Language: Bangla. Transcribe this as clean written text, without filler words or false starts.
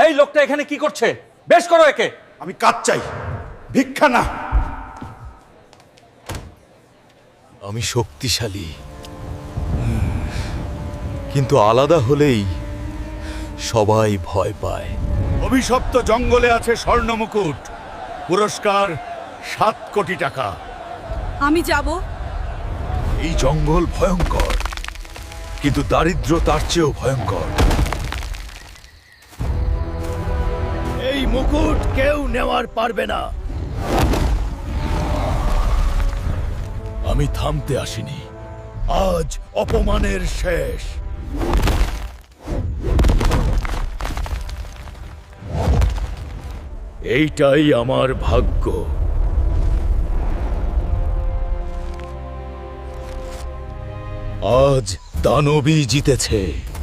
এই লোকটা এখানে কি করছে? বেশ করো একে। আমি কাজ চাই, ভিক্ষা না। আমি শক্তিশালী, কিন্তু আলাদা হলেই সবাই ভয় পায়। অভিশপ্ত জঙ্গলে আছে স্বর্ণ মুকুট, পুরস্কার 7 কোটি টাকা। আমি যাব। এই জঙ্গল ভয়ঙ্কর, কিন্তু দারিদ্র তার চেয়েও ভয়ঙ্কর। এই মুকুট কেউ নেওয়ার পারবে না। আমি থামতে আসিনি, আজ অপমানের শেষ। এইটাই আমার ভাগ্য। আজ দানবী জিতেছে।